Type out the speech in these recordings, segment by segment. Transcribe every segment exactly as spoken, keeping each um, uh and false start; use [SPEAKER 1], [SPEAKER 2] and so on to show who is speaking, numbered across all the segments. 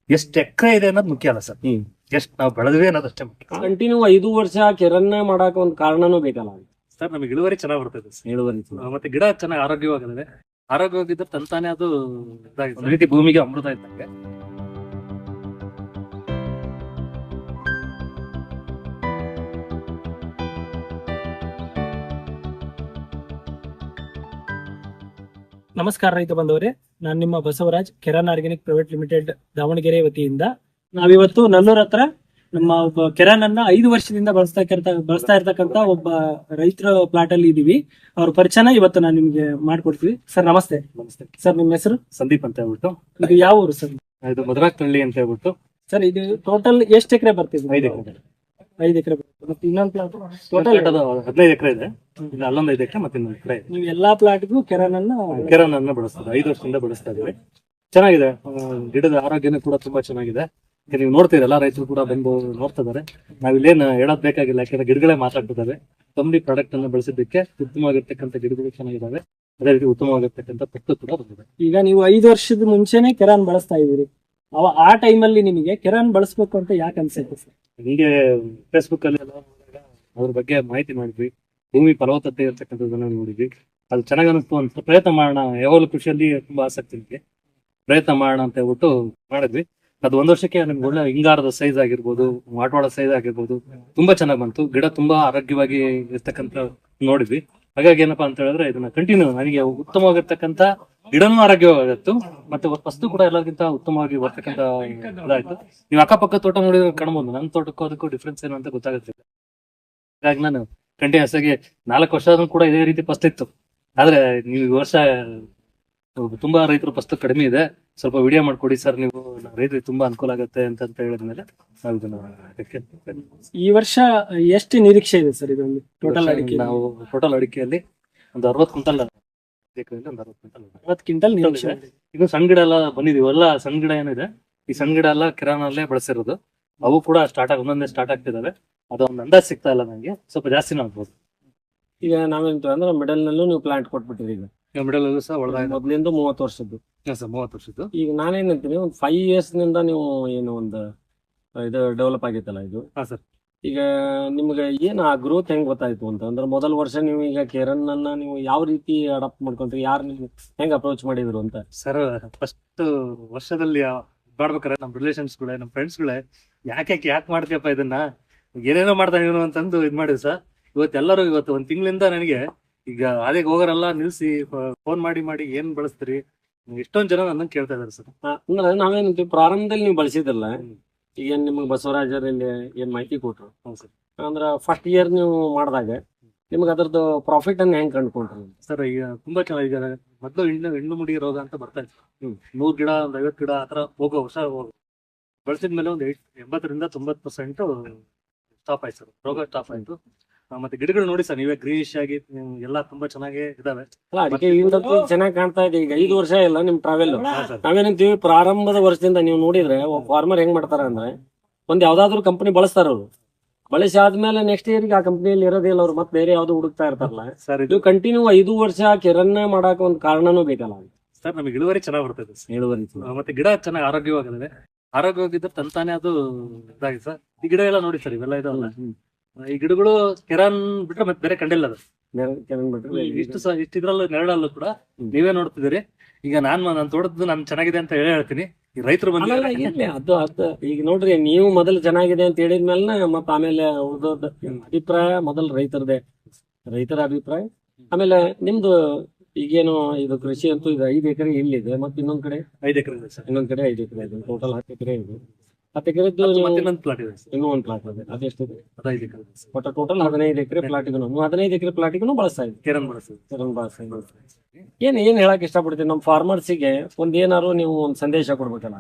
[SPEAKER 1] ಎಷ್ಟು ಎಕರೆ ಇದೆ ಅನ್ನೋದು ಮುಖ್ಯ ಅಲ್ಲ ಸರ್, ಎಷ್ಟು ನಾವು ಬೆಳೆದ್ವಿ ಅನ್ನೋದಷ್ಟೇ ಮುಖ್ಯ.
[SPEAKER 2] ಕಂಟಿನ್ಯೂ ಐದು ವರ್ಷ ಕೆರನ್ನ ಮಾಡಾಕ ಒಂದ್ ಕಾರಣನೂ ಬೇಕಲ್ಲ
[SPEAKER 1] ಸರ್. ನಮಗೆ ಇಳುವರಿ ಚೆನ್ನಾಗಿ ಬರ್ತದೆ ಸರ್,
[SPEAKER 2] ಇಳುವರಿ
[SPEAKER 1] ಮತ್ತೆ ಗಿಡ ಚೆನ್ನಾಗಿ ಆರೋಗ್ಯವಾಗಿದೆ. ಆರೋಗ್ಯವಾಗಿದ್ರೆ ತಂತಾನೆ ಅದು ಇದಾಗಿದೆ, ರೀತಿ ಭೂಮಿಗೆ ಅಮೃತ ಇದ್ದಂಗೆ.
[SPEAKER 3] ನಮಸ್ಕಾರ ರೈತ ಬಂದವರೇ, ನಾನು ನಿಮ್ಮ Basavaraj, Keran organic private limited Davangere ವತಿಯಿಂದ ನಾವಿವತ್ತು ನಲ್ಲೂರ್ ಹತ್ರ ನಮ್ಮ ಒಬ್ಬ ಕೆರಾನ್ ಅನ್ನ ಐದು ವರ್ಷದಿಂದ ಬಳಸ್ತಾ ಬಳಸ್ತಾ ಇರ್ತಕ್ಕಂತ ಒಬ್ಬ ರೈತರ ಪ್ಲಾಟ್ ಅಲ್ಲಿ ಇದೀವಿ. ಅವ್ರ ಪರಿಚಯನ ಇವತ್ತು ನಾನು ನಿಮ್ಗೆ ಮಾಡ್ಕೊಡ್ತೀವಿ. ಸರ್ ನಮಸ್ತೆ.
[SPEAKER 1] ನಮಸ್ತೆ
[SPEAKER 3] ಸರ್, ನಿಮ್ಮ ಹೆಸರು?
[SPEAKER 1] ಸಂದೀಪ್ ಅಂತ ಹೇಳ್ಬಿಟ್ಟು.
[SPEAKER 3] ಇದು ಯಾವ ಊರು ಸರ್?
[SPEAKER 1] ಇದು ಮಧುರಾಕ್ತಳ್ಳಿ ಅಂತ ಹೇಳ್ಬಿಟ್ಟು.
[SPEAKER 3] ಸರ್, ಇದು ಟೋಟಲ್ ಎಷ್ಟು ಎಕರೆ ಬರ್ತಿದೆ?
[SPEAKER 1] ಐದು ಎಕರೆ
[SPEAKER 3] ಐದು ಎಕರೆ ಮತ್ತೆ ಇನ್ನೊಂದು ಪ್ಲಾಟ್
[SPEAKER 1] ಟೋಟಲ್ ಹದಿನೈದು ಎಕರೆ ಇದೆ. ಇಲ್ಲಿ ಅಲ್ಲೊಂದು ಐದು ಎಕರೆ ಮತ್ತೆ ಇನ್ನೊಂದು ಎಕರೆ ಇದೆ.
[SPEAKER 3] ನೀವು ಎಲ್ಲಾ ಪ್ಲಾಟ್ಗೂ ಕೆರಾನ್ ಅನ್ನ
[SPEAKER 1] ಕೆರಾನ್ ಅನ್ನ ಬಳಸ್ತದೆ, ಐದು ವರ್ಷದಿಂದ ಬಳಸ್ತಾ ಇದೀವಿ. ಚೆನ್ನಾಗಿದೆ, ಗಿಡದ ಆರೋಗ್ಯನೂ ಕೂಡ ತುಂಬಾ ಚೆನ್ನಾಗಿದೆ. ನೀವು ನೋಡ್ತೀರಿ, ಎಲ್ಲಾ ರೈತರು ಕೂಡ ಬಂದು ನೋಡ್ತಾ ಇದಾರೆ. ನಾವ್ ಇಲ್ಲೇನು ಹೇಳೋದ್ ಬೇಕಾಗಿಲ್ಲ, ಯಾಕಂದ್ರೆ ಗಿಡಗಳೇ ಮಾತಾಡ್ತಿದಾವೆ. ಕಂಪ್ನಿ ಪ್ರಾಡಕ್ಟ್ ಅನ್ನ ಬಳಸಿದ್ದಕ್ಕೆ ಉತ್ತಮವಾಗಿರ್ತಕ್ಕಂಥ ಗಿಡಗಳು ಚೆನ್ನಾಗಿದಾವೆ. ಅದೇ ರೀತಿ ಉತ್ತಮವಾಗಿರ್ತಕ್ಕಂಥ ಪಟ್ಟು ಕೂಡ ಬಂದಿದೆ.
[SPEAKER 3] ಈಗ ನೀವು ಐದು ವರ್ಷದ ಮುಂಚೆನೆ ಕೆರಾನ್ ಬಳಸ್ತಾ ಇದೀರಿ. ಅವ ಆ ಟೈಮಲ್ಲಿ ನಿಮಗೆ ಕೆರಾನ್ ಬಳಸ್ಬೇಕು ಅಂತ ಯಾಕೆ ಅನ್ಸುತ್ತೆ ಸರ್?
[SPEAKER 1] ಹಿಂಗೆ ಫೇಸ್ಬುಕ್ ಅಲ್ಲಿ ಎಲ್ಲ ಅದ್ರ ಬಗ್ಗೆ ಮಾಹಿತಿ ಮಾಡಿದ್ವಿ. ಭೂಮಿ ಫಲವತ್ತತೆ ಇರ್ತಕ್ಕಂಥದ್ದನ್ನ ನೋಡಿದ್ವಿ. ಅದು ಚೆನ್ನಾಗಿ ಅನಿಸ್ತು ಅಂತ ಪ್ರಯತ್ನ ಮಾಡೋಣ. ಯಾವಾಗಲೂ ಕೃಷಿಯಲ್ಲಿ ತುಂಬಾ ಆಸಕ್ತಿ ಇದೆ, ಪ್ರಯತ್ನ ಮಾಡೋಣ ಅಂತ ಹೇಳ್ಬಿಟ್ಟು ಮಾಡಿದ್ವಿ. ಅದು ಒಂದ್ ವರ್ಷಕ್ಕೆ ನಮ್ಗೆ ಒಳ್ಳೆ ಹಿಂಗಾರದ ಸೈಜ್ ಆಗಿರ್ಬೋದು, ವಾಟವಾಡ ಸೈಜ್ ಆಗಿರ್ಬೋದು, ತುಂಬಾ ಚೆನ್ನಾಗಿ ಬಂತು. ಗಿಡ ತುಂಬಾ ಆರೋಗ್ಯವಾಗಿ ಇರ್ತಕ್ಕಂಥ ನೋಡಿದ್ವಿ. ಹಾಗಾಗಿ ಏನಪ್ಪಾ ಅಂತ ಹೇಳಿದ್ರೆ ಇದನ್ನ ಕಂಟಿನ್ಯೂ ನನಗೆ ಉತ್ತಮವಾಗಿರ್ತಕ್ಕಂಥ ಗಿಡನೂ ಆರೋಗ್ಯವಾಗಿತ್ತು, ಮತ್ತೆ ವಸ್ತು ಕೂಡ ಎಲ್ಲರಿಗಿಂತ ಉತ್ತಮವಾಗಿ ಬರ್ತಕ್ಕಂಥ ಇದಾಯ್ತು. ನೀವು ಅಕ್ಕಪಕ್ಕ ತೋಟ ನೋಡಿದ್ರೆ ಕಾಣ್ಬೋದು, ನನ್ನ ತೋಟಕ್ಕೂ ಅದಕ್ಕೂ ಡಿಫ್ರೆನ್ಸ್ ಏನು ಅಂತ ಗೊತ್ತಾಗುತ್ತೆ. ಹಾಗಾಗಿ ನಾನು ಕಂಟಿನ್ಯೂಸ್ ಆಗಿ ನಾಲ್ಕು ವರ್ಷ ಆದ್ರೂ ಕೂಡ ಇದೇ ರೀತಿ ಫಸ್ಟ್ ಇತ್ತು. ಆದ್ರೆ ನೀವು ಈ ವರ್ಷ ತುಂಬಾ ರೈತರು ಫಸ್ಟ್ ಕಡಿಮೆ ಇದೆ, ಸ್ವಲ್ಪ ವಿಡಿಯೋ ಮಾಡ್ಕೊಡಿ ಸರ್ ನೀವು, ರೈತರಿಗೆ ತುಂಬಾ ಅನುಕೂಲ ಆಗುತ್ತೆ ಅಂತ ಅಂತ ಹೇಳಿದ್ಮೇಲೆ ನಾವು ಇದನ್ನ
[SPEAKER 3] ಈ ವರ್ಷ ಎಷ್ಟು ನಿರೀಕ್ಷೆ ಇದೆ ಸರ್ ಇದೊಂದು ಟೋಟಲ್ ಅಡಿಕೆ?
[SPEAKER 1] ನಾವು ಟೋಟಲ್ ಅಡಿಕೆಯಲ್ಲಿ ಒಂದು ಅರವತ್ತು ಕ್ವಿಂಟಲ್ ಒಂದು ಅರವತ್ತು ಕ್ವಿಂಟಲ್
[SPEAKER 3] ಅರವತ್ತು ಕ್ವಿಂಟಲ್ ನಿರೀಕ್ಷೆ.
[SPEAKER 1] ಇದು ಸಣ್ಣ ಗಿಡ ಎಲ್ಲ ಬಂದಿದೀವಿ, ಎಲ್ಲ ಸಣ್ಣ ಗಿಡ ಏನಿದೆ ಈ ಸಣ್ಣ ಗಿಡ ಎಲ್ಲ ಕಿರಾನಲ್ಲೇ ಬಳಸಿರೋದು. ಅವು ಕೂಡ ಸ್ಟಾರ್ಟ್ ಆಗಿ ಒಂದೊಂದೇ ಸ್ಟಾರ್ಟ್ ಆಗ್ತಿದಾವೆ. ಅದು ಒಂದು ಅಂದಾಜ್ ಸಿಗ್ತಾ ಇಲ್ಲ ನಂಗೆ, ಸ್ವಲ್ಪ ಜಾಸ್ತಿನೂ ಆಗ್ಬೋದು.
[SPEAKER 2] ಈಗ ನಾವೇಂತ ಅಂದ್ರೆ ಮಿಡಲ್ ನಲ್ಲೂ ನೀವು ಪ್ಲಾಂಟ್ ಕೊಟ್ಬಿಟ್ಟಿರಿ. ಈಗ
[SPEAKER 1] ಮಿಡಲ್ ಸಹ ಒಳಗ
[SPEAKER 2] ಮೊದ್ಲಿಂದ ಮೂವತ್ತು ವರ್ಷದ್ದು
[SPEAKER 1] ಮೂವತ್ತು ವರ್ಷದ್ದು.
[SPEAKER 2] ಈಗ ನಾನೇನಂತೀನಿ, ಒಂದು ಫೈವ್ ಇಯರ್ಸ್ ನಿಂದ ನೀವು ಏನು ಒಂದು ಇದು ಡೆವಲಪ್ ಆಗೈತಲ್ಲ ಇದು.
[SPEAKER 1] ಹಾ ಸರ್.
[SPEAKER 2] ಈಗ ನಿಮ್ಗೆ ಏನು ಆ ಗ್ರೋತ್ ಹೆಂಗ್ ಗೊತ್ತಾಯ್ತು ಅಂತ ಅಂದ್ರೆ, ಮೊದಲ ವರ್ಷ ನೀವು ಈಗ ಕೆರನ್ ಅನ್ನ ನೀವು ಯಾವ ರೀತಿ ಅಡಾಪ್ಟ್ ಮಾಡ್ಕೊಂಡ್ರಿ, ಯಾರು ನಿಮ್ಗೆ ಹೆಂಗ್ ಅಪ್ರೋಚ್ ಮಾಡಿದ್ರು ಅಂತ?
[SPEAKER 1] ಸರ್, ಫಸ್ಟ್ ವರ್ಷದಲ್ಲಿ ಮಾಡ್ಬೇಕಾರೆ ನಮ್ ರಿಲೇಷನ್ಸ್ ಗಳೇ, ನಮ್ ಫ್ರೆಂಡ್ಸ್ ಗಳೇ ಯಾಕೆ ಯಾಕೆ ಮಾಡ್ತೀಯಪ್ಪ ಇದನ್ನ, ಏನೇನೋ ಮಾಡ್ತಾ ಇವನು ಅಂತಂದು ಇದ್ ಮಾಡಿದ್ರು ಸರ್. ಇವತ್ತೆಲ್ಲರೂ ಇವತ್ತು ಒಂದ್ ತಿಂಗಳಿಂದ ನನಗೆ ಈಗ ಅದೇ ಹೋಗೋರೆಲ್ಲ ನಿಲ್ಸಿ ಫೋನ್ ಮಾಡಿ ಮಾಡಿ ಏನ್ ಬಳಸ್ತೀರಿ, ಎಷ್ಟೊಂದ್ ಜನ ನನ್ನ ಕೇಳ್ತಾ ಇದಾರೆ ಸರ್.
[SPEAKER 2] ಅಂದ್ರೆ ನಾವೇನಂತೀವಿ, ಪ್ರಾರಂಭದಲ್ಲಿ ನೀವು ಬಳಸಿದ್ರಲ್ಲ, ಈಗ ನಿಮ್ಗೆ ಬಸವರಾಜರಲ್ಲಿ ಏನ್ ಮಾಹಿತಿ ಕೊಟ್ರು ಅಂದ್ರ ಫಸ್ಟ್ ಇಯರ್ ನೀವು ಮಾಡಿದಾಗ ನಿಮ್ಗೆ ಅದ್ರದ್ದು ಪ್ರಾಫಿಟ್ ಅನ್ನ ಹೆಂಗ್ ಕಂಡುಕೊಂಡ್ರಿ
[SPEAKER 1] ಸರ್? ಈಗ ತುಂಬಾ ಚೆನ್ನಾಗಿ, ಈಗ ಮೊದಲು ಹೆಣ್ಣು ಹೆಣ್ಣು ಮುಡಿ ರೋಗ ಅಂತ ಬರ್ತಾ ಇತ್ತು. ನೂರ್ ಗಿಡ ಒಂದ್ ಐವತ್ತು ಗಿಡ ಆತರ ಹೋಗೋ ವರ್ಷ ಹೋಗೋ ಬಳಸಿದ್ಮೇಲೆ ಒಂದು ಎಂಬತ್ತರಿಂದ ತೊಂಬತ್ ಪರ್ಸೆಂಟ್ ಸ್ಟಾಪ್ ಆಯ್ತು ಸರ್, ರೋಗ ಸ್ಟಾಪ್ ಆಯ್ತು. ಮತ್ತೆ ಗಿಡಗಳು ನೋಡಿ ಸರ್ ನೀವೇ ಗ್ರೀನಿಶ್ ಆಗಿ ಎಲ್ಲಾ ತುಂಬಾ ಚೆನ್ನಾಗಿ ಇದಾವೆ.
[SPEAKER 2] ಅದಕ್ಕೆ ಚೆನ್ನಾಗಿ ಕಾಣ್ತಾ ಇದೆ. ಈಗ ಐದು ವರ್ಷ ಇಲ್ಲ ನಿಮ್ ಟ್ರಾವೆಲ್. ನಾವೇನಂತೀವಿ, ಪ್ರಾರಂಭದ ವರ್ಷದಿಂದ ನೀವು ನೋಡಿದ್ರೆ ಫಾರ್ಮರ್ ಹೆಂಗ್ ಮಾಡ್ತಾರ ಅಂದ್ರೆ, ಒಂದ್ ಯಾವ್ದಾದ್ರು ಕಂಪನಿ ಬಳಸ್ತಾರ ಅವ್ರು, ಬಳಸಿ ಆದ್ಮೇಲೆ ನೆಕ್ಸ್ಟ್ ಇಯರ್ ಆ ಕಂಪನಿಯಲ್ಲಿ ಇರೋದಿಲ್ಲ ಅವ್ರು, ಮತ್ತೆ ಬೇರೆ ಯಾವ್ದು ಹುಡುಕ್ತಾ ಇರ್ತಾರಲ್ಲ
[SPEAKER 1] ಸರ್.
[SPEAKER 2] ಇದು ಕಂಟಿನ್ಯೂ ಐದು ವರ್ಷ ಕೆರನ್ನ ಮಾಡಾಕ ಒಂದ್ ಕಾರಣನೂ ಬೇಕಲ್ಲ
[SPEAKER 1] ಸರ್. ನಮಗೆ ಇಳುವರಿ ಚೆನ್ನಾಗಿ ಬರ್ತದೆ,
[SPEAKER 2] ಇಳುವರಿ
[SPEAKER 1] ಮತ್ತೆ ಗಿಡ ಚೆನ್ನಾಗಿ ಆರೋಗ್ಯವಾಗಿದೆ. ಆರೋಗ್ಯವಾಗಿದ್ರೆ ತಂತಾನೆ ಅದು ಇದಾಗಿದೆ ಸರ್. ಈ ಗಿಡ ಎಲ್ಲ ನೋಡಿ ಸರ್, ಇವೆಲ್ಲ ಇದಾವಲ್ಲ, ಈ ಗಿಡಗಳು ಕೆರಾನ್ ಬಿಟ್ರೆ ಮತ್ತೆ ಬೇರೆ ಕಂಡಿಲ್ಲ ಅದು. ಇಷ್ಟು ಸಹ ಇಷ್ಟಿದ್ರಲ್ಲೂ ನೆರಳಲ್ಲೂ ಕೂಡ ನೀವೇ ನೋಡ್ತಿದ್ದೀರಿ. ಈಗ ನಾನ್ ನನ್ ತೋಟದ್ದು ನಾನ್ ಚೆನ್ನಾಗಿದೆ ಅಂತ ಹೇಳಿ ಹೇಳ್ತೀನಿ. ಈ ರೈತರು ಬಂದ
[SPEAKER 2] ಅದು ಅದು ಈಗ ನೋಡ್ರಿ, ನೀವು ಮೊದಲು ಚೆನ್ನಾಗಿದೆ ಅಂತ ಹೇಳಿದ್ಮೇಲೆ ಮತ್ತ ಆಮೇಲೆ ಉಳಿದೋದ್ ಅಭಿಪ್ರಾಯ ಮೊದಲು ರೈತರದೇ, ರೈತರ ಅಭಿಪ್ರಾಯ. ಆಮೇಲೆ ನಿಮ್ದು ಈಗೇನು ಇದು ಕೃಷಿ ಅಂತೂ ಇದು ಐದು ಎಕರೆ ಇಲ್ಲಿದೆ, ಮತ್ತೆ ಇನ್ನೊಂದ್ ಕಡೆ
[SPEAKER 1] ಐದು ಎಕರೆ ಇದೆ ಸರ್.
[SPEAKER 2] ಇನ್ನೊಂದ್ ಕಡೆ ಐದು ಎಕರೆ ಇದೆ, ಟೋಟಲ್ ಹತ್ತು ಎಕರೆ ಇದೆ. ಹತ್ತು ಎಕರೆದ್ದು
[SPEAKER 1] ಇನ್ನೊಂದು ಪ್ಲಾಟ್ ಇದೆ,
[SPEAKER 2] ಇನ್ನೂ ಒಂದು ಪ್ಲಾಟ್ ಇದೆ. ಅದೆಷ್ಟಿದೆ?
[SPEAKER 1] ಹದಿನೈದು ಎಕರೆ.
[SPEAKER 2] ಒಟ್ಟು ಟೋಟಲ್ ಹದಿನೈದು ಎಕರೆ ಪ್ಲಾಟಿಗೂ ಹದಿನೈದು ಎಕರೆ ಪ್ಲಾಟಿಗೂ ಬಳಸ್ತಾ ಇದೆ
[SPEAKER 1] ಕೆರನ್ ಬಳಸ್ತೀವಿ.
[SPEAKER 2] ಕೆರನ್ ಬಳಸ್ತಾ ಇದೆ. ಏನ್ ಏನ್ ಹೇಳಕ್ ಇಷ್ಟಪಡ್ತೀನಿ ನಮ್ಮ ಫಾರ್ಮರ್ಸಿಗೆ, ಒಂದ್ ಏನಾದ್ರು ನೀವು ಒಂದ್ ಸಂದೇಶ ಕೊಡ್ಬೇಕಲ್ಲ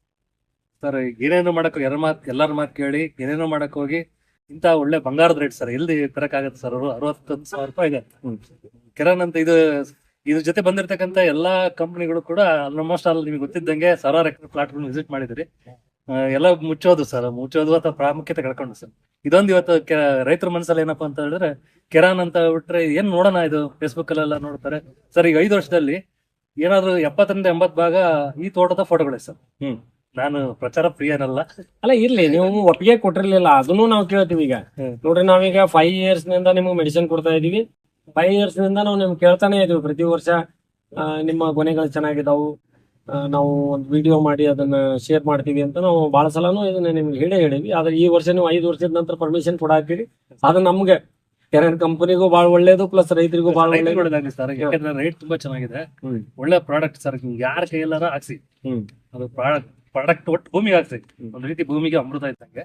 [SPEAKER 1] ಸರ್? ಏನೇನೋ ಮಾಡಕ್ ಎಲ್ಲರ ಮಾತ್ ಎಲ್ಲಾರ ಮಾತು ಕೇಳಿ ಏನೇನೋ ಮಾಡಕ್ ಹೋಗಿ ಇಂತ ಒಳ್ಳೆ ಬಂಗಾರದ ರೇಟ್ ಸರ್, ಎಲ್ಲಿ ತರಕ್ ಆಗತ್ತೆ ಸರ್? ಅವರು ಅರವತ್ತೊಂದು ಸಾವಿರ ರೂಪಾಯಿ ಇದೆ ಕೆರನ್ ಅಂತ. ಇದು ಇದ್ರ ಜೊತೆ ಬಂದಿರತಕ್ಕಂತ ಎಲ್ಲಾ ಕಂಪನಿಗಳು ಕೂಡ ಆಲ್ಮೋಸ್ಟ್ ಆಲ್ ನಿಮ್ಗೆ ಗೊತ್ತಿದ್ದಂಗೆ ಸಾವಿರಾರು ಎಕರೆ ಪ್ಲಾಟ್ ವಿಸಿಟ್ ಮಾಡಿದ್ರಿ. ಎಲ್ಲ ಮುಚ್ಚೋದು ಸರ್, ಮುಚ್ಚೋದು ಅಥವಾ ಪ್ರಾಮುಖ್ಯತೆ ಕಳ್ಕೊಂಡು ಸರ್. ಇದೊಂದು ಇವತ್ತು ರೈತರ ಮನಸ್ಸಲ್ಲಿ ಏನಪ್ಪಾ ಅಂತ ಹೇಳಿದ್ರೆ, ಕೆರಾನ್ ಅಂತ ಬಿಟ್ರೆ ಏನ್ ನೋಡೋಣ, ಇದು ಫೇಸ್ಬುಕ್ ಅಲ್ಲೆಲ್ಲ ನೋಡ್ತಾರೆ ಸರ್. ಈಗ ಐದು ವರ್ಷದಲ್ಲಿ ಏನಾದ್ರು ಎಪ್ಪತ್ತರಿಂದ ಎಂಬತ್ ಭಾಗ ಈ ತೋಟದ ಫೋಟೋಗಳೇ ಸರ್.
[SPEAKER 2] ಹ್ಮ್
[SPEAKER 1] ನಾನು ಪ್ರಚಾರ ಪ್ರಿಯನಲ್ಲ.
[SPEAKER 2] ಅಲ್ಲ ಇರ್ಲಿ, ನೀವು ಒಪ್ಪಿಗೆ ಕೊಟ್ಟಿರ್ಲಿಲ್ಲ, ಅದನ್ನು ನಾವು ಕೇಳ್ತೀವಿ ಈಗ. ನೋಡ್ರಿ, ನಾವೀಗ ಫೈವ್ ಇಯರ್ಸ್ ನಿಂದ ನಿಮ್ಗೆ ಮೆಡಿಸಿನ್ ಕೊಡ್ತಾ ಇದೀವಿ. ಫೈವ್ ಇಯರ್ಸ್ ನಿಂದ ನಾವು ನಿಮ್ಗೆ ಕೇಳ್ತಾನೆ ಇದೀವಿ ಪ್ರತಿ ವರ್ಷ, ಆ, ನಿಮ್ಮ ಕೊನೆಗಳು ಚೆನ್ನಾಗಿದಾವು, ಆ, ನಾವು ಒಂದು ವಿಡಿಯೋ ಮಾಡಿ ಅದನ್ನ ಶೇರ್ ಮಾಡ್ತೀವಿ ಅಂತ ನಾವು ಬಹಳ ಸಲನೂ ಇದನ್ನ ನಿಮ್ಗೆ ಹೇಳೇ ಹೇಳಿವಿ. ಆದ್ರೆ ಈ ವರ್ಷ ನೀವು ಐದು ವರ್ಷದ ನಂತರ ಪರ್ಮಿಷನ್ ಕೊಡಾಕ್ತೀರಿ, ಅದು ನಮ್ಗೆ ಕೆರೆನ್ ಕಂಪನಿಗೂ ಬಹಳ ಒಳ್ಳೇದು, ಪ್ಲಸ್ ರೈತರಿಗೂ ಬಹಳ ಒಳ್ಳೇದು.
[SPEAKER 1] ಒಳ್ಳೇದಾಗ್ಲಿ ಸರ್, ಯಾಕಂದ್ರೆ ರೇಟ್ ತುಂಬಾ ಚೆನ್ನಾಗಿದೆ, ಒಳ್ಳೆ ಪ್ರಾಡಕ್ಟ್ ಸರ್. ಯಾರ ಕೈಯಲ್ಲಾರ ಹಾಕ್ಸಿ,
[SPEAKER 2] ಹ್ಮ್
[SPEAKER 1] ಅದು ಪ್ರಾಡಕ್ಟ್ ಪ್ರಾಡಕ್ಟ್ ಒಟ್ಟು ಭೂಮಿಗೆ ಹಾಕ್ಸಿ, ಒಂದ್ ರೀತಿ ಭೂಮಿಗೆ ಅಮೃತ ಇದ್ದಂಗೆ.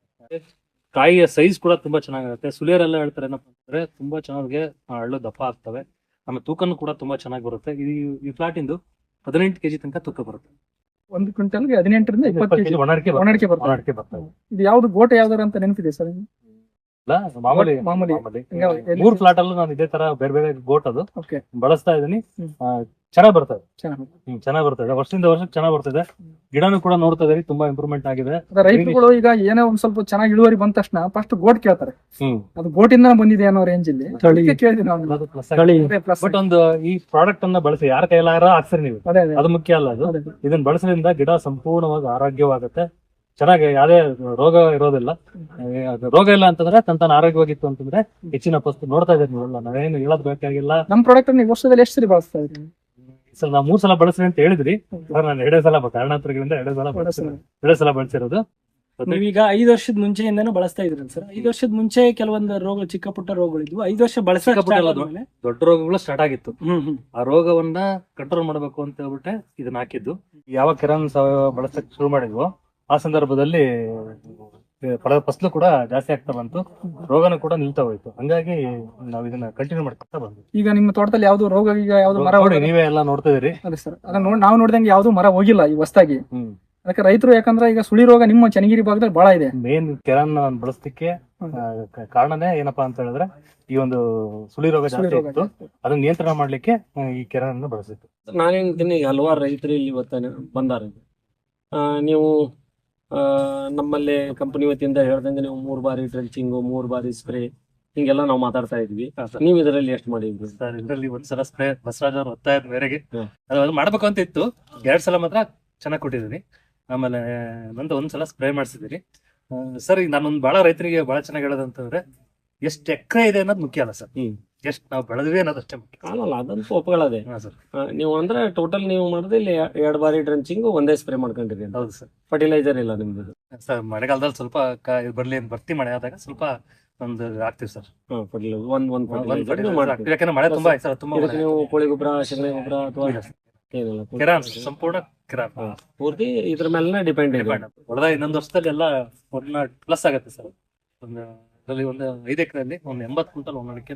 [SPEAKER 1] ಕಾಯಿಯ ಸೈಜ್ ಕೂಡ ತುಂಬಾ ಚೆನ್ನಾಗಿರುತ್ತೆ. ಸುಲಿಯರೆಲ್ಲ ಹೇಳ್ತಾರೆ ಏನಪ್ಪಾ ಅಂತಂದ್ರೆ ತುಂಬಾ ಚೆನ್ನಾಗಿ ಹಳ್ಳು ದಪ್ಪ ಆಗ್ತವೆ, ಆಮೇಲೆ ತೂಕನು ಕೂಡ ತುಂಬಾ ಚೆನ್ನಾಗಿ ಬರುತ್ತೆ. ಈ ಈ ಫ್ಲಾಟ್ ಇಂದು ಹದಿನೆಂಟು ಕೆಜಿ ತನಕ ತೂಕ ಬರುತ್ತೆ.
[SPEAKER 3] ಒಂದು ಕ್ವಿಂಟಲ್ಗೆ ಹದಿನೆಂಟರಿಂದ ಇಪ್ಪತ್ತು ಕೆಜಿ
[SPEAKER 1] ಒಣಡಿಕೆ
[SPEAKER 3] ಒಣಡಿಕೆ ಬರ್ತದೆ.
[SPEAKER 1] ಒಣಡಿಕೆ ಬರ್ತವೆ.
[SPEAKER 3] ಇದು ಯಾವ್ದು ಗೋಟೆ ಯಾವ್ದಾರ ಅಂತ ನೆನಪಿದೆ ಸರ್?
[SPEAKER 1] ಇಲ್ಲ, ಮಾಮೂಲಿ
[SPEAKER 3] ಮಾಮೂಲಿ.
[SPEAKER 1] ಮಾಮೂಲಿ.
[SPEAKER 3] ಯಾವ- ಎಲ್ಲಿ-
[SPEAKER 1] ಮೂರ್ ಫ್ಲಾಟ್ ಅಲ್ಲೂ ನಾನು ಇದೇ ತರ ಬೇರೆ ಬೇರೆ ಗೋಟ್ ಅದು
[SPEAKER 3] ಓಕೆ,
[SPEAKER 1] ಬಳಸ್ತಾ ಇದೀನಿ.
[SPEAKER 3] ಹ್ಮ್.
[SPEAKER 1] ಆ, ಚೆನ್ನಾಗ್ ಬರ್ತದೆ.
[SPEAKER 3] ಚೆನ್ನಾಗಿ.
[SPEAKER 1] ಹ್ಮ್ ಚೆನ್ನಾಗ್ ಬರ್ತದೆ, ವರ್ಷದಿಂದ ವರ್ಷಕ್ಕೆ ಚೆನ್ನಾಗ್ ಬರ್ತಿದೆ. ಗಿಡನು ಕೂಡ ನೋಡ್ತಾ ಇದೀರಿ, ತುಂಬಾ ಇಂಪ್ರೂವ್ಮೆಂಟ್ ಆಗಿದೆ.
[SPEAKER 3] ಅದ ರೈತರುಗಳು ಈಗ ಏನೋ ಒಂದ್ ಸ್ವಲ್ಪ ಚೆನ್ನಾಗಿ ಇಳುವರಿ ಬಂದ ತಕ್ಷಣ ಫಸ್ಟ್ ಗೋಟ್ ಕೇಳ್ತಾರೆ.
[SPEAKER 1] ಹ್ಮ್
[SPEAKER 3] ಅದು ಗೋಟಿಂದ ಬಂದಿದೆ ಅನ್ನೋ ರೇಂಜ್ ಇಲ್ಲಿ ಅದಕ್ಕೆ ಕೇಳಿದ್ವಿ ನಾವು. ಅದೇ plus.
[SPEAKER 1] ಬಟ್ ಒಂದು ಈ ಪ್ರಾಡಕ್ಟ್ ಅನ್ನ ಬಳಸಿ ಯಾರ ಕೈಲಾರ ಹಾಕ್ಸಿರಿ ನೀವು,
[SPEAKER 3] ಅದೇ ಅದೇ
[SPEAKER 1] ಅದು ಮುಖ್ಯ ಅಲ್ಲ. ಅದು
[SPEAKER 3] ಅದೇ.
[SPEAKER 1] ಇದನ್ನ ಬಳಸೋದ್ರಿಂದ ಗಿಡ ಸಂಪೂರ್ಣವಾಗಿ ಆರೋಗ್ಯವಾಗುತ್ತೆ, ಚೆನ್ನಾಗಿ ಯಾವುದೇ ರೋಗ ಇರೋದಿಲ್ಲ. ಏ, ಅದು ರೋಗ ಇಲ್ಲ ಅಂತಂದ್ರೆ ತನ್ನ ತಾನು ಆರೋಗ್ಯವಾಗಿತ್ತು ಅಂತಂದ್ರೆ ಹೆಚ್ಚಿನ ಪಸ್ತು ನೋಡ್ತಾ ಇದ್ದೀರಿ ನೀವೆಲ್ಲ, ನಾವೇನು ಹೇಳೋದ್ ಬೇಕಾಗಿಲ್ಲ.
[SPEAKER 3] ನಮ್ ಪ್ರಾಡಕ್ಟ್ ನೀವು ವರ್ಷದಲ್ಲಿ ಎಷ್ಟು ಸರಿ ಬಳಸ್ತಾ ಇದ್ರಿ?
[SPEAKER 1] ಈ ಸಲ ನಾವು ಮೂರ್ ಸಲ ಬಳಸ್ರಿ ಅಂತ ಹೇಳಿದ್ರಿ, ಆದ್ರೆ ನಾನು ಎರಡೇ ಸಲ ಕಾರಣಾಂತರಗಳಿಂದ ಎರಡೇ ಸಲ ಬಳಸಿರೋದು, ಎರಡೇ ಸಲ ಬಳಸಿರೋದು.
[SPEAKER 3] ನೀವೀಗ ಐದು ವರ್ಷದ ಮುಂಚೆಯಿಂದನೂ ಬಳಸ್ತಾ ಇದ್ರಿ ಸರ್. ಐದು ವರ್ಷದ ಮುಂಚೆ ಕೆಲವೊಂದು ರೋಗ, ಚಿಕ್ಕ ಪುಟ್ಟ ರೋಗಗಳಿದ್ವು. ಐದು ವರ್ಷ ಬಳಸ
[SPEAKER 1] ಚಿಕ್ಕ ಪುಟ್ಟ ಅಲ್ಲ, ದೊಡ್ಡ ರೋಗಗಳು ಸ್ಟಾರ್ಟ್ ಆಗಿತ್ತು.
[SPEAKER 3] ಹ್ಮ್ ಹ್ಮ್
[SPEAKER 1] ಆ ರೋಗವನ್ನ ಕಂಟ್ರೋಲ್ ಮಾಡಬೇಕು ಅಂತ ಹೇಳ್ಬಿಟ್ಟೆ ಇದನ್ನ ಹಾಕಿದ್ದು. ಯಾವಾಗ ಕಿರಣ್ ಸಾವಯವ ಬಳಸಕ್ ಶುರು ಮಾಡಿದ್ವು ಆ ಸಂದರ್ಭದಲ್ಲಿ ಫಲ ಫಸಲು ಕೂಡ ಜಾಸ್ತಿ ಆಗ್ತಾ ಬಂತು, ರೋಗನೂ ಕೂಡ ನಿಲ್ತಾ ಹೋಯ್ತು. ಹಂಗಾಗಿ ನಾವ್ ಇದನ್ನ ಕಂಟಿನ್ಯೂ ಮಾಡ್ಕೊತಾ ಬಂದ್ವಿ.
[SPEAKER 3] ಈಗ ನಿಮ್ಮ ತೋಟದಲ್ಲಿ ಯಾವ್ದು ರೋಗ, ಈಗ ಯಾವ್ದು ಮರ
[SPEAKER 1] ನೋಡಿ, ನೀವೇ ಎಲ್ಲ ನೋಡ್ತಾ ಇದೀರಿ.
[SPEAKER 3] ಅದೇ ಸರ್, ಅದನ್ನ ನೋಡಿ ನಾವು ನೋಡಿದಂಗೆ ಯಾವ್ದು ಮರ ಹೋಗಿಲ್ಲ ಈ ಹೊಸದಾಗಿ.
[SPEAKER 1] ಹ್ಮ್
[SPEAKER 3] ಅದಕ್ಕೆ ರೈತರು, ಯಾಕಂದ್ರೆ ಈಗ ಸುಳಿ ರೋಗ ನಿಮ್ಮ ಚನ್ನಗಿರಿ ಭಾಗದಲ್ಲಿ ಬಹಳ ಇದೆ.
[SPEAKER 1] ಮೇನ್ ಕೆರನ್ ಬಳಸಲಿಕ್ಕೆ ಕಾರಣನೇ ಏನಪ್ಪಾ ಅಂತ ಹೇಳಿದ್ರೆ ಈ ಒಂದು ಸುಳಿ ರೋಗ
[SPEAKER 3] ಸುಳಿ
[SPEAKER 1] ಜಾಸ್ತಿ
[SPEAKER 3] ರೋಗ
[SPEAKER 1] ಇತ್ತು, ಅದನ್ನ ನಿಯಂತ್ರಣ ಮಾಡ್ಲಿಕ್ಕೆ ಆ, ಈ ಕೆರನ್ ಅನ್ನು ಬಳಸಿತ್ತು.
[SPEAKER 2] ನಾನೇಂತೀನಿ, ಈಗ ಹಲವಾರು ರೈತರು ಇಲ್ಲಿ ಇವತ್ತ ಬಂದಾರೆ. ಆ, ನೀವು ಆ, ನಮ್ಮಲ್ಲಿ ಕಂಪನಿ ವತಿಯಿಂದ ಹೇಳ್ದಂಗೆ ನೀವು ಮೂರ್ ಬಾರಿ ಡ್ರೆಂಚಿಂಗು, ಮೂರ್ ಬಾರಿ ಸ್ಪ್ರೇ, ಹಿಂಗೆಲ್ಲ ನಾವು ಮಾತಾಡ್ತಾ ಇದ್ವಿ. ನೀವು ಇದರಲ್ಲಿ ಎಷ್ಟು ಮಾಡಿದ್ರಿ?
[SPEAKER 1] ಸರ್, ಇದರಲ್ಲಿ ಒಂದ್ಸಲ ಸ್ಪ್ರೇ ಬಸವರಾಜ್ ಅವ್ರ ಒತ್ತಾಯದ ಮೇರೆಗೆ
[SPEAKER 2] ಹ್ಮ್.
[SPEAKER 1] ಅದು ಮಾಡ್ಬೇಕು ಅಂತ ಇತ್ತು. ಎರಡ್ ಸಲ ಮಾತ್ರ ಚೆನ್ನಾಗಿ ಕೊಟ್ಟಿದ್ದೀನಿ, ಆಮೇಲೆ ನಂದು ಒಂದ್ಸಲ ಸ್ಪ್ರೇ ಮಾಡಿಸಿದೀನಿ. ಸರ್, ಈಗ ನಾನೊಂದು ಬಹಳ ರೈತರಿಗೆ ಬಹಳ ಚೆನ್ನಾಗಿ ಹೇಳೋದಂತಂದ್ರೆ ಎಷ್ಟು ಎಕರೆ ಇದೆ ಅನ್ನೋದು ಮುಖ್ಯ ಅಲ್ಲ ಸರ್,
[SPEAKER 2] ಹ್ಮ್.
[SPEAKER 1] ಎಷ್ಟು ನಾವು ಬೆಳೆದ್ವಿ ಅನ್ನೋದು ಅಷ್ಟೇ ಮುಖ್ಯ.
[SPEAKER 2] ಅಲ್ಲಲ್ಲ, ಅದಂತೂ ಒಪ್ಪಗಳದೆ.
[SPEAKER 1] ಹಾ ಸರ್,
[SPEAKER 2] ನೀವು ಅಂದ್ರೆ ಟೋಟಲ್ ನೀವು ಮಾಡಿದ್ರೆ ಇಲ್ಲಿ ಎರಡ್ ಬಾರಿ ಡ್ರೆಂಚಿಂಗ್, ಒಂದೇ ಸ್ಪ್ರೇ ಮಾಡ್ಕೊಂಡಿರಿ.
[SPEAKER 1] ಹೌದು ಸರ್.
[SPEAKER 2] ಫರ್ಟಿಲೈಸರ್ ಇಲ್ಲ ನಿಮ್ದು?
[SPEAKER 1] ಸರ್, ಮಳೆಗಾಲದಲ್ಲಿ ಸ್ವಲ್ಪ ಕ- ಇದು ಬರ್ಲಿ ಅಂತ ಬರ್ತಿ ಮಳೆ ಆದಾಗ ಸ್ವಲ್ಪ ಒಂದು ಹಾಕ್ತಿವಿ ಸರ್.
[SPEAKER 2] ಹಾ, ಫರ್ಟಿಲೈಸರ್ ಒಂದ್ ಒಂದ್
[SPEAKER 1] ಒಂದ್
[SPEAKER 2] ಫರ್ಟಿಲೈಸರ್
[SPEAKER 1] fertilizer
[SPEAKER 2] ಮಾಡ್ತೀರಿ.
[SPEAKER 1] ಹಾಕ್ತೀವಿ. ಯಾಕಂದ್ರೆ ಮಳೆ ತುಂಬಾ ಆಯ್ತು ಸರ್, ತುಂಬಾ
[SPEAKER 2] ಇದಕ್ಕೆ ನೀವು ಕೋಳಿ ಗೊಬ್ಬರ, ಸಗಣಿ ಗೊಬ್ಬರ ಅಥವಾ
[SPEAKER 1] ಇಲ್ಲ ಸರ್.
[SPEAKER 2] ಏನಿಲ್ಲ?
[SPEAKER 1] ಕಿರಾನ್ ಸಂಪೂರ್ಣ ಕಿರಾನ್
[SPEAKER 2] ಹಾ, ಪೂರ್ತಿ ಇದ್ರ ಮೇಲೆ ಡಿಪೆಂಡ್ ಇದೆ.
[SPEAKER 1] ಹೊಡೆದ ಇನ್ನೊಂದು ವರ್ಷದಲ್ಲಿ ಎಲ್ಲ ಒನ್ ಪ್ಲಸ್ ಆಗುತ್ತೆ ಸರ್. ಒಂದು ಅದರಲ್ಲಿ ಒಂದು ಐದು ಎಕರೆಯಲ್ಲಿ ಒಂದು ಎಂಬತ್ತು ಕ್ವಿಂಟಲ್ ಒಂದ್ ಅಡಿಕೆ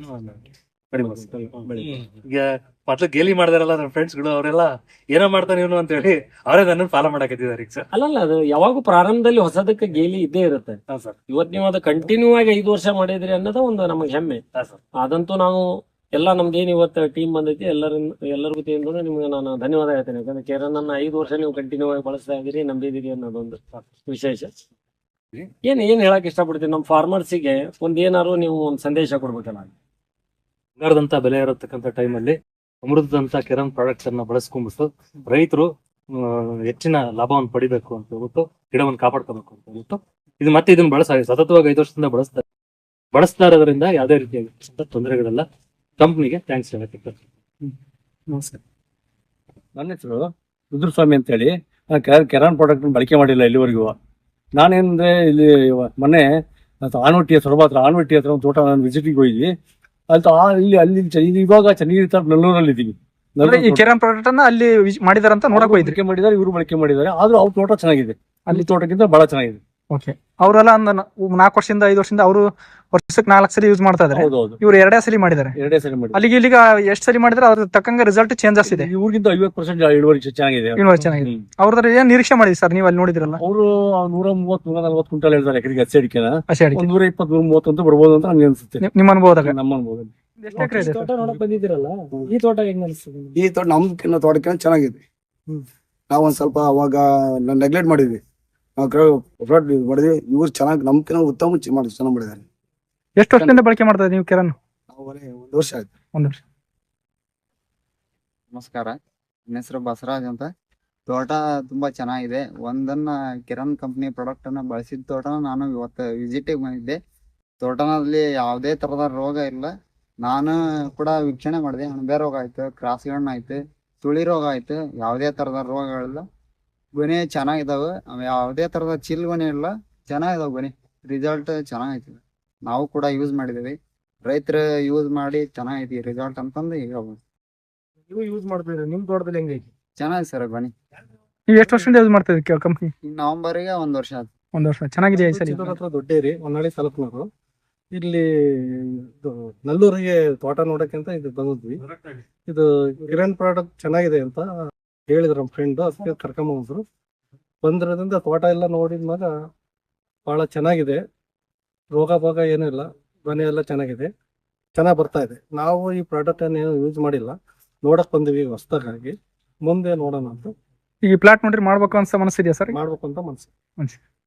[SPEAKER 1] ಈಗ ಮೊದ್ಲು ಗೇಲಿ ಮಾಡಿದಾರಲ್ಲ ನನ್ನ ಫ್ರೆಂಡ್ಸ್ ಗಳು, ಅವರೆಲ್ಲ ಏನೋ ಮಾಡ್ತಾನೆ ಇವನು ಅಂತ ಹೇಳಿ ಅವರೇ ನನ್ನ ಫಾಲೋ ಮಾಡಕತ್ತಿದ್ದಾರೆ ಈಗ ಸರ್.
[SPEAKER 2] ಅಲ್ಲಲ್ಲ, ಅದು ಯಾವಾಗೂ ಪ್ರಾರಂಭದಲ್ಲಿ ಹೊಸದಕ್ಕೆ ಗೇಲಿ ಇದ್ದೇ ಇರುತ್ತೆ.
[SPEAKER 1] ಹಾ ಸರ್,
[SPEAKER 2] ಇವತ್ ನೀವು ಅದು ಕಂಟಿನ್ಯೂ ಆಗಿ ಐದು ವರ್ಷ ಮಾಡಿದ್ರಿ ಅನ್ನೋದು ಒಂದು ನಮಗೆ ಹೆಮ್ಮೆ.
[SPEAKER 1] ಹಾ ಸರ್.
[SPEAKER 2] ಅದಂತೂ ನಾವು ಎಲ್ಲ ನಮ್ದೇನು ಇವತ್ತು ಟೀಮ್ ಬಂದೈತಿ, ಎಲ್ಲರಿಂದ ಎಲ್ಲರಿಗೂ ತಿಂದು ನಿಮ್ಗೆ ನಾನು ಧನ್ಯವಾದ ಹೇಳ್ತೇನೆ. ಯಾಕಂದ್ರೆ ಕೇರನ್ನ ಐದು ವರ್ಷ ನೀವು ಕಂಟಿನ್ಯೂ ಆಗಿ ಬಳಸ್ತಾ ಇದ್ದೀರಿ, ನಂಬಿದಿರಿ ಅನ್ನೋದೊಂದು ವಿಶೇಷ. ಏನ್ ಏನ್ ಹೇಳಕ್ ಇಷ್ಟಪಡ್ತೀನಿ ನಮ್ಮ ಫಾರ್ಮರ್ಸಿಗೆ, ಒಂದ್ ಏನಾದ್ರು ನೀವು ಒಂದು ಸಂದೇಶ ಕೊಡ್ಬೇಕಲ್ಲ.
[SPEAKER 1] ಬಂಗಾರದಂತ ಬೆಲೆ ಇರತಕ್ಕಂತ ಟೈಮಲ್ಲಿ ಅಮೃತದಂತ ಕಿರಣ್ ಪ್ರಾಡಕ್ಟ್ಸ್ ಅನ್ನ ಬಳಸ್ಕೊಂಡ್ಬಿಟ್ಟು ರೈತರು ಹೆಚ್ಚಿನ ಲಾಭವನ್ನು ಪಡಿಬೇಕು ಅಂತ ಹೇಳ್ಬಿಟ್ಟು ಗಿಡವನ್ನು ಕಾಪಾಡ್ಕೋಬೇಕು ಅಂತ ಹೇಳ್ಬಿಟ್ಟು ಇದು ಮತ್ತೆ ಇದನ್ನ ಬಳಸ ಸತತವಾಗಿ ಐದು ವರ್ಷದಿಂದ ಬಳಸ್ತಾರೆ ಬಳಸ್ತಾ ಇರೋದ್ರಿಂದ ಯಾವುದೇ ರೀತಿಯಾಗಿ ತೊಂದರೆಗಳೆಲ್ಲ. ಕಂಪ್ನಿಗೆ ಥ್ಯಾಂಕ್ಸ್ ಹೇಳಕ್ಕೆ.
[SPEAKER 3] ನಮಸ್ಕಾರ.
[SPEAKER 4] ನನ್ನ ಹೆಸರು ರುದ್ರಸ್ವಾಮಿ ಅಂತ ಹೇಳಿ. ನಾನು ಕೆರಾನ್ ಪ್ರಾಡಕ್ಟ್ ಬಳಕೆ ಮಾಡಿಲ್ಲ ಇಲ್ಲಿವರೆಗೂ. ನಾನೇನಂದ್ರೆ ಇಲ್ಲಿ ಮೊನ್ನೆ ಆನವಟ್ಟಿ ಸೊರಬ ಹತ್ರ ಆನವಟ್ಟಿ ಹತ್ರ ಒಂದು ತೋಟ ನಾನು ವಿಸಿಟಿಗೆ ಹೋಗಿದ್ವಿ. ಅಲ್ಲಿ ಆ ಇಲ್ಲಿ ಅಲ್ಲಿ ಚ- ಇದು ಇವಾಗ ಚನ್ನಗಿರಿ ತರ ನೆಲ್ಲೂರಲ್ಲಿ ಇದ್ದೀವಿ.
[SPEAKER 3] ಈ ಕೆರಾನ್ ಪ್ರಾಡಕ್ಟ್ ಅನ್ನ ಅಲ್ಲಿ ಮಾಡಿದಾರಂತ ನೋಡಕ್ ಹೋಯ್ತ್ರಿ.
[SPEAKER 4] ಬಳಕೆ ಮಾಡಿದ್ದಾರೆ, ಇವರು ಬಳಕೆ ಮಾಡಿದ್ದಾರೆ. ಆದ್ರೂ ಅವ್ರ ತೋಟ ಚೆನ್ನಾಗಿದೆ, ಅಲ್ಲಿ ತೋಟಕ್ಕಿಂತ ಬಹಳ ಚೆನ್ನಾಗಿದೆ.
[SPEAKER 3] ಓಕೆ, ಅವರೆಲ್ಲ ಒಂದು ನಾಲ್ಕು ವರ್ಷದಿಂದ ಐದು ವರ್ಷದಿಂದ ಅವರು ವರ್ಷಕ್ಕೆ ನಾಲ್ಕು ಸಲ ಯೂಸ್ ಮಾಡ್ತಾ ಇದಾರೆ.
[SPEAKER 4] ಹೌದೌದು,
[SPEAKER 3] ಇವ್ರು ಎರಡೇ ಸಲ ಮಾಡಿದ್ದಾರೆ.
[SPEAKER 4] ಎರಡೇ ಸರಿ ಮಾಡಿ.
[SPEAKER 3] ಅಲ್ಲಿಗೆ ಇಲ್ಲಿಗ ಎಷ್ಟು ಸಲ ಮಾಡಿದ್ರೆ ಅದ್ರ ತಕ್ಕಂಗೆ ರಿಸಲ್ಟ್ ಚೇಂಜಸ್ ಇದೆ.
[SPEAKER 4] ಇವ್ರಿಗಿಂತ ಐವತ್ತು ಪರ್ಸೆಂಟ್ ಇಳುವರಿ ಚೆನ್ನಾಗಿದೆ.
[SPEAKER 3] ಇಳುವರಿ ಚೆನ್ನಾಗಿದೆ. ಅವ್ರದ್ರ ಏನ್ ನಿರೀಕ್ಷೆ ಮಾಡಿದ್ರಿ ಸರ್ ನೀವು ಅಲ್ಲಿ ನೋಡಿದ್ರಲ್ಲ?
[SPEAKER 4] ಅವರು ನೂರ ಮೂವತ್ ನೂರ ನಲ್ವತ್ತು ಕ್ವಿಂಟಲ್ ಹೇಳ್ತಾರೆ ಎಕರೆಗೆ ಹಸಿ ಅಡಿಕೆನ.
[SPEAKER 3] ಹಸಿ ಅಡಿಕೆ
[SPEAKER 4] ಒಂದ್ ನೂರ ಇಪ್ಪತ್ತು ನೂರ ಮೂವತ್ತು ಅಂತ ಬರ್ಬೋದು ಅಂತ ನನ್ಗೆ ಅನ್ಸುತ್ತೆ,
[SPEAKER 3] ನಿಮ್- ನಿಮ್ಮ ಅನುಭವದಾಗ.
[SPEAKER 4] ನಮ್ಮ ಅನುಭವದಲ್ಲಿ.
[SPEAKER 3] ಎಷ್ಟು ಎಕರೆ ಇದೆ
[SPEAKER 5] ತೋಟ ನೋಡಕ್ ಬಂದಿದ್ದೀರಲ್ಲ, ಈ ತೋಟ ಹೆಂಗ್ ಅನಿಸ್ತದೆ?
[SPEAKER 6] ಈ ತೋಟ ನಮ್ಕಿನ್ನ ತೋಟಕ್ಕಿಂತ ಚೆನ್ನಾಗಿದೆ. ನಾವ್ ಒಂದ್ ಸ್ವಲ್ಪ ಅವಾಗ ನೆಗ್ಲೆಕ್ಟ್ ಮಾಡಿದ್ವಿ, ನಾವು ಮಾಡಿದ್ವಿ. ಇವ್ರು ಚೆನ್ನಾಗಿ ನಮ್ಕಿನ್ನ ಉತ್ತಮ ಚೆ- ಮಾಡಿ ಚೆನ್ನಾಗಿ ಮಾಡಿದ್ದಾರೆ.
[SPEAKER 3] ಎಷ್ಟು ವರ್ಷದಿಂದ ಬಳಕೆ ಮಾಡ್ತಾ ಇದ್ದೀವಿ ನೀವು ಕೆರಾನ್?
[SPEAKER 6] ನಾವು ಒಂದ್ ವರ್ಷ ಆಯ್ತು.
[SPEAKER 3] ಒಂದು ವರ್ಷ.
[SPEAKER 7] ನಮಸ್ಕಾರ, ನನ್ನ ಹೆಸರು ಬಸವರಾಜ್ ಅಂತ. ತೋಟ ತುಂಬಾ ಚೆನ್ನಾಗಿದೆ. ಒಂದನ್ನ ಕಿರಣ್ ಕಂಪ್ನಿ ಪ್ರಾಡಕ್ಟ್ ಅನ್ನ ಬಳಸಿದ ತೋಟನ ನಾನು ಇವತ್ತು ವಿಸಿಟಿಗೆ ಬಂದಿದ್ದೆ. ತೋಟನಲ್ಲಿ ಯಾವುದೇ ತರದ ರೋಗ ಇಲ್ಲ. ನಾನು ಕೂಡ ವೀಕ್ಷಣೆ ಮಾಡಿದೆ. ಅಣಬೆ ರೋಗ ಆಯ್ತು, ಕ್ರಾಸ್ಗಣ್ಣ ಆಯ್ತು, ತುಳಿ ರೋಗ ಆಯ್ತು, ಯಾವುದೇ ತರದ ರೋಗಗಳಿಲ್ಲ. ಗೊನೆ ಚೆನ್ನಾಗಿದಾವೆ, ಯಾವುದೇ ತರದ ಚಿಲ್ ಗೊನೆ ಇಲ್ಲ, ಚೆನ್ನಾಗಿದಾವೆ ಗೊನೆ. ರಿಸಲ್ಟ್ ಚೆನ್ನಾಗೈತಿ. ನಾವು ಕೂಡ ಯೂಸ್ ಮಾಡಿದೇವಿ. ರೈತರು ಯೂಸ್ ಮಾಡಿ ಚೆನ್ನಾಗೈತಿ ರಿಸಲ್ಟ್ ಅಂತಂದು ಹೇಳ್ಬೋದು.
[SPEAKER 5] ನೀವು ಯೂಸ್ ಮಾಡ್ತಿದ್ರಿ, ನಿಮ್ ತೋಟದಲ್ಲಿ ಹೆಂಗೈತಿ?
[SPEAKER 7] ಚೆನ್ನಾಗಿದೆ ಸರ್ ಗೊನೆ.
[SPEAKER 5] ನೀವು ಎಷ್ಟು ವರ್ಷದಿಂದ ಯೂಸ್ ಮಾಡ್ತಾ ಇದ್ದೀರಿ ಕಂಪ್ನಿ?
[SPEAKER 7] ಈ ನವೆಂಬರ್ಗೆ ಒಂದ್ ವರ್ಷ ಆಯ್ತು.
[SPEAKER 5] ಒಂದ್ ವರ್ಷ. ಚೆನ್ನಾಗಿದೆಯಾ ಸರ್?
[SPEAKER 4] ಚಿತ್ತೂರ್ ಹತ್ರ ದೊಡ್ಡೇರಿ, ಹೊನ್ನಾಳಿ ತಾಲೂಕ್ನವರು. ಇಲ್ಲಿ ಇದು ನಲ್ಲೂರಿಗೆ ತೋಟ ನೋಡಕ್ಕೆ ಅಂತ ಇದು ಬಂದಿದ್ವಿ. ಇದು ಕಿರಣ್ ಪ್ರಾಡಕ್ಟ್ ಚೆನ್ನಾಗಿದೆ ಅಂತ ಹೇಳಿದ್ರು ನಮ್ಮ ಫ್ರೆಂಡ್, ಅದಕ್ಕೆ ಕರ್ಕೊಂಡ್ ಬಂದ್ರು. ಬಂದಿರೋದ್ರಿಂದ ತೋಟ ಎಲ್ಲ ನೋಡಿದ್ಮಾಗ ಬಹಳ ಚೆನ್ನಾಗಿದೆ. ರೋಗ ಭೋಗ ಏನೂ ಇಲ್ಲ, ಗೊನೆ ಎಲ್ಲ ಚೆನ್ನಾಗಿದೆ, ಚೆನ್ನಾಗಿ ಬರ್ತಾ ಇದೆ. ನಾವು ಈ ಪ್ರಾಡಕ್ಟ್ ಅನ್ನು ಯೂಸ್ ಮಾಡಿಲ್ಲ, ನೋಡಕ್ ಬಂದಿವಿ ಹೊಸದಾಗಿ. ಮುಂದೆ ನೋಡೋಣ ಅಂತ
[SPEAKER 5] ಈಗ ಪ್ಲಾಟ್ ನೋಡ್ರಿ ಮಾಡ್ಬೇಕು ಅನ್ಸ ಮನಸ್ಸಿದೆಯಾ ಸರ್?
[SPEAKER 4] ಮಾಡ್ಬೇಕು ಅಂತ ಮನ್ಸು.
[SPEAKER 5] ಮನ್ಸು